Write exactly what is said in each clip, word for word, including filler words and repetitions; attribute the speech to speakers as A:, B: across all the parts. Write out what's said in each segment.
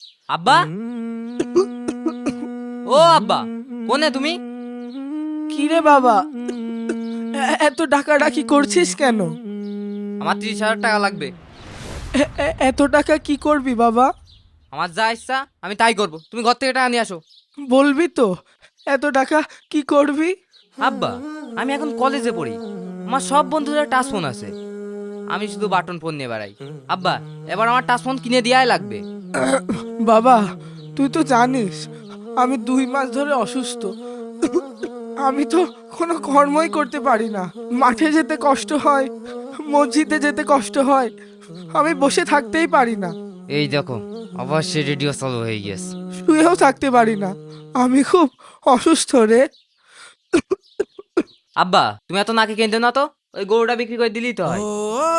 A: আব্বা, ও আব্বা, কোনে তুমি?
B: কি রে বাবা, এ- এত ডাকাডাকি করছিস কেন?
A: আমার ত্রিশ হাজার টাকা লাগবে।
B: এ- এ- এত টাকা কি করবি বাবা?
A: আমার যা ইচ্ছা আমি তাই করব, তুমি ঘর থেকে টাকা নিয়ে আসো।
B: বলবি তো এত টাকা কি করবি?
A: আব্বা, আমি এখন কলেজে পড়ি, আমার সব বন্ধুদের টাচ ফোন আছে, আমি শুধু বাটন ফোন নিয়ে বেড়াই। আব্বা, এবার আমার টাচ ফোন কিনে দেওয়াই লাগবে।
B: বাবা, তুই তো জানিস আমি দুই মাস ধরে অসুস্থ। আমি তো কোনো কর্মই করতে পারি না। মাঠে যেতে কষ্ট হয়, মসজিদে যেতে কষ্ট হয়, আমি বসে থাকতেই পারি না।
A: এই দেখো, অবশ্যই রেডিও চালু হয়ে গেছে।
B: শুয়েও থাকতে পারি না, আমি খুব অসুস্থ রে।
A: আব্বা, তুমি এত নাকি কেঁদে না তো, ওই গরুটা বিক্রি করে দিলেই তো হয়।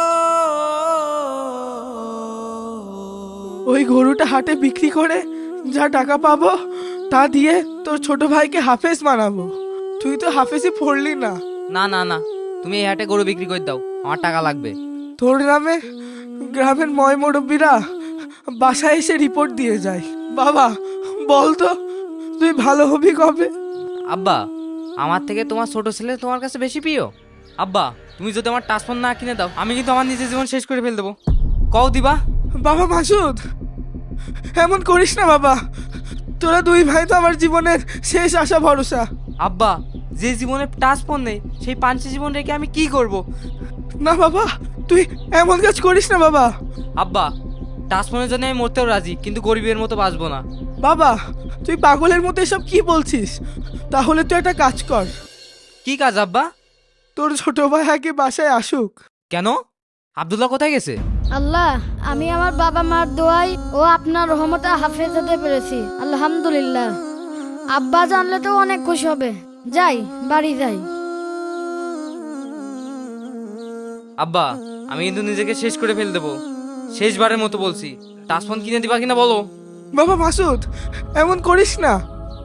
B: ওই গরুটা হাটে বিক্রি করে যা টাকা পাবো তা দিয়ে তোর ছোট ভাইকে হাফেজ বানাবো। তুই তো হাফেজই পড়লি না।
A: না না না, তুমি এই হাটে গরু বিক্রি করে দাও, আমার টাকা লাগবে।
B: তোর নামে গ্রামের ময় মুরব্বীরা বাসায় এসে রিপোর্ট দিয়ে যায়। বাবা বল তো, তুই ভালো হবি কবে?
A: আব্বা, আমার থেকে তোমার ছোট ছেলে তোমার কাছে বেশি প্রিয়। আব্বা, তুমি যদি আমার টাচ ফোন না কিনে দাও, আমি কিন্তু আমার নিজের জীবন শেষ করে ফেল দেবো। কও দিবা?
B: বাবা মাসুদ, এমন করিস না বাবা, তোরা দুই ভাই তো আমার জীবনের শেষ আশা ভরসা।
A: আব্বা, যে জীবনে টাচ ফোন নেই সেই পাঁচটি জীবন রেখে আমি কি করব?
B: না বাবা, তুই এমন কাজ করিস না বাবা।
A: আব্বা, টাচ ফোনের জন্য আমি মরতেও রাজি, কিন্তু গরিবের মতো বাঁচবো না।
B: বাবা তুই পাগলের মতো এসব কি বলছিস? তাহলে তুই একটা কাজ কর,
A: কি কাজ আব্বা?
B: তোর ছোট ভাই আগে বাসায় আসুক।
A: কেন? আব্দুল্লাহ কোথায় গেছে?
C: আল্লাহ, আমি আমার বাবা মার দোয়াই ও আপনার রহমতে হাফেজ হতে পেরেছি, আলহামদুলিল্লাহ। আব্বা জানলে তো অনেক খুশি হবে। যাই, বাড়ি যাই।
A: আব্বা, আমি কিন্তু নিজেকে শেষ করে ফেল দেবো, শেষবারের মতো বলছি, টাচ ফোন কিনে দিবা কিনা বলো?
B: বাবা মাসুদ, এমন করিস না।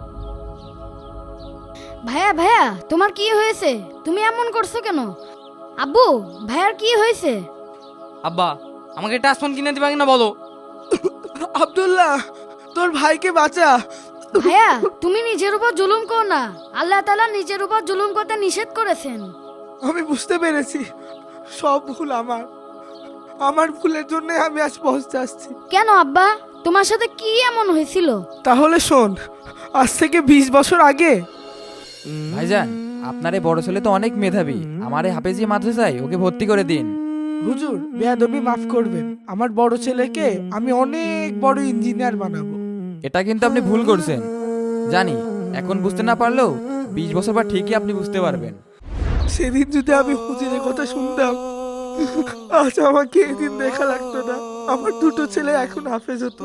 C: ভাইয়া ভাইয়া, তোমার কি হয়েছে? তুমি এমন করছো কেন? আব্বু, ভাইয়ার কি হয়েছে?
A: আব্বা, আমাকে টাচ ফোন কিনে দিবা কিনা বলো?
B: আব্দুল্লাহ, তোর ভাইকে বাঁচা।
C: ভাইয়া, তুমি নিজের উপর জুলুম করো না, আল্লাহ তাআলা নিজের উপর জুলুম করতে নিষেধ করেছেন।
B: আমি বুঝতে পেরেছি, সব ভুল আমার। আমার ভুলের জন্য আমি আজ পৌঁছাচ্ছি।
C: কেন আব্বা, তোমার সাথে কি এমন হয়েছিল?
B: তাহলে শোন, আজ থেকে বিশ বছর আগে
D: ভাইজান, আপনার এই বড় ছেলে তো অনেক মেধাবী, আমার এই হাফেজি মাদ্রাসায় ওকে ভর্তি করে দিন।
B: হুজুর বেয়াদবি মাফ করবেন, আমার বড় ছেলেকে আমি অনেক বড় ইঞ্জিনিয়ার বানাবো।
D: এটা কিন্তু আপনি ভুল করছেন। জানি এখন বুঝতে না পারলেও বিশ বছর পর ঠিকই আপনি বুঝতে পারবেন।
B: সেদিন যদি আমি হুজুরের কথা শুনতাম, আজ আমাকে এদিন দেখা লাগতো না। আমার দুটো ছেলে এখন হাফেজ হতো।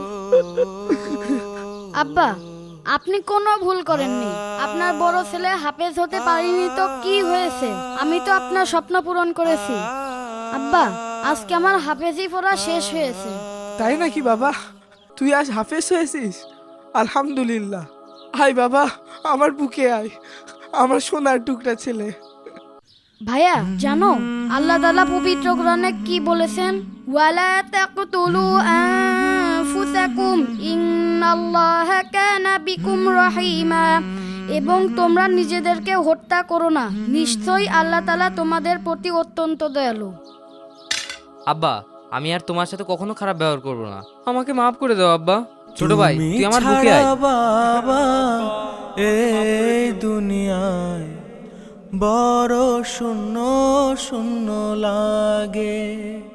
C: আব্বা, আপনি কোনো ভুল করেননি। আপনার বড় ছেলে হাফেজ হতে পারেনি তো কি হয়েছে? আমি তো আপনার স্বপ্ন পূরণ করেছি। আব্বা, আজকে আমার হাফেজি পড়া শেষ হয়েছে।
B: তাই নাকি বাবা? তুই আজ হাফেজ হয়েছিস? আলহামদুলিল্লাহ। আয় বাবা, আমার বুকে আয়, আমার সোনার টুকরা ছেলে।
C: ভাইয়া জানো, আল্লাহ তাআলা পবিত্র কোরআনে কি বলেছেন? ওয়ালা তাকতুলু আনফুসাকুম ইন্নাল্লাহা কানা বিকুম রহিমা। এবং তোমরা নিজেদেরকে হত্যা করো না, নিশ্চয়ই আল্লাহ তাআলা তোমাদের প্রতি অত্যন্ত দয়ালু।
A: আব্বা, আমি আর তোমার সাথে কখনো খারাপ ব্যবহার করবো না, আমাকে মাফ করে দাও আব্বা। ছোট ভাই, তুই আমার বুকে আয়।
E: বাবা, এই দুনিয়ায় বড় শূন্য শূন্য লাগে।